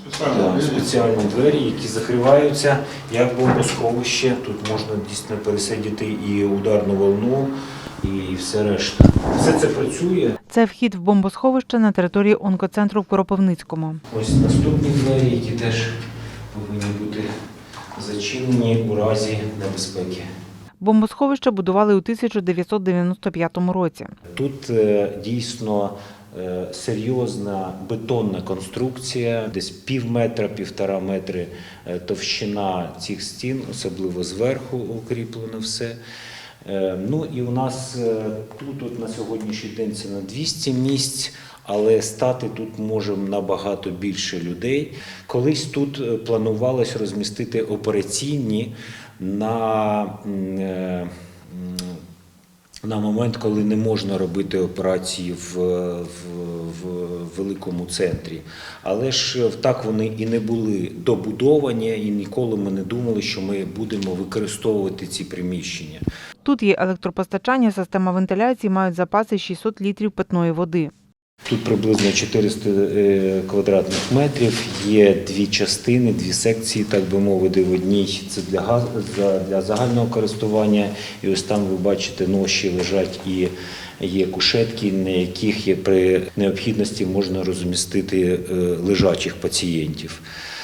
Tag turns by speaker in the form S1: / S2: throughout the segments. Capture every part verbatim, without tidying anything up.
S1: Так, спеціальні двері, які закриваються як бомбосховище. Тут можна дійсно пересидіти і ударну волну, і все решта. Все це працює.
S2: Це вхід в бомбосховище на території онкоцентру в Кропивницькому.
S1: Ось наступні двері, які теж повинні бути зачинені у разі небезпеки.
S2: Бомбосховище будували у тисяча дев'ятсот дев'яносто п'ятому році.
S1: Тут е, дійсно е, серйозна бетонна конструкція, десь пів метра, півтора метри е, товщина цих стін, особливо зверху укріплено все. Е, ну і у нас е, тут от на сьогоднішній день це на двісті місць, але стати тут може набагато більше людей. Колись тут планувалось розмістити операційні на, е, на момент, коли не можна робити операції в, в, в великому центрі. Але ж так вони і не були добудовані, і ніколи ми не думали, що ми будемо використовувати ці приміщення.
S2: Тут є електропостачання, система вентиляції, мають запаси шістсот літрів питної води.
S1: Тут приблизно чотириста квадратних метрів, є дві частини, дві секції, так би мовити. В одній це для, газ, для загального користування, і ось там ви бачите ноші лежать і є кушетки, на яких є при необхідності можна розмістити лежачих пацієнтів.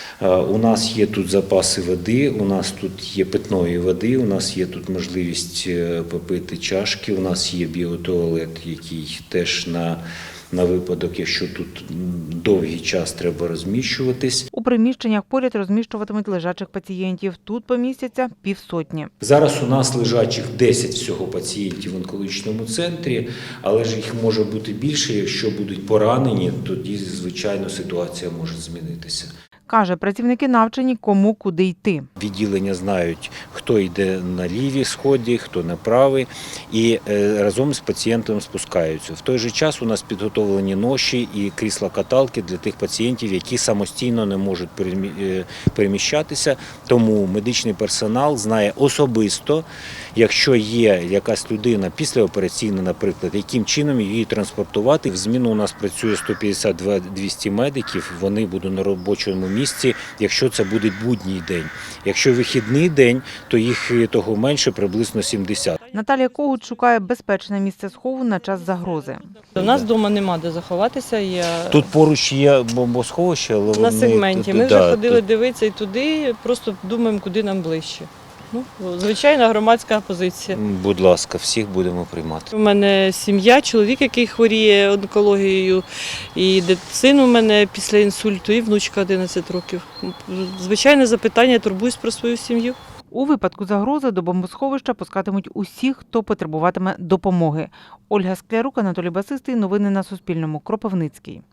S1: У нас є тут запаси води, у нас тут є питної води, у нас є тут можливість попити чашки, у нас є біотуалет, який теж на на випадок, якщо тут довгий час треба розміщуватись.
S2: У приміщеннях поряд розміщуватимуть лежачих пацієнтів. Тут помістяться півсотні.
S1: Зараз у нас лежачих десять всього пацієнтів в онкологічному центрі, але ж їх може бути більше. Якщо будуть поранені, тоді, звичайно, ситуація може змінитися.
S2: Каже, працівники навчені, кому куди йти.
S1: Відділення знають, хто йде на лівій сході, хто на правій, і разом з пацієнтом спускаються. В той же час у нас підготовлені ноші і крісла-каталки для тих пацієнтів, які самостійно не можуть переміщатися. Тому медичний персонал знає особисто, якщо є якась людина післяопераційна, наприклад, яким чином її транспортувати. В зміну у нас працює сто п'ятдесят - двісті медиків, вони будуть на робочому місці, якщо це буде будній день. Якщо вихідний день, то їх того менше, приблизно сімдесят.
S2: Наталія Когут шукає безпечне місце схову на час загрози.
S3: У нас вдома нема де заховатися. Я...
S1: Тут поруч є бомбосховище, але
S3: на
S1: вони...
S3: сегменті. Ми
S1: да,
S3: вже ходили
S1: тут...
S3: дивитися і туди, просто думаємо, куди нам ближче. Ну, звичайна громадська позиція.
S1: Будь ласка, всіх будемо приймати.
S3: У мене сім'я, чоловік, який хворіє онкологією, і син у мене після інсульту, і внучка одинадцять років. Звичайне запитання, турбуюсь про свою сім'ю.
S2: У випадку загрози до бомбосховища пускатимуть усіх, хто потребуватиме допомоги. Ольга Склярук, Анатолій Басистий. Новини на Суспільному. Кропивницький.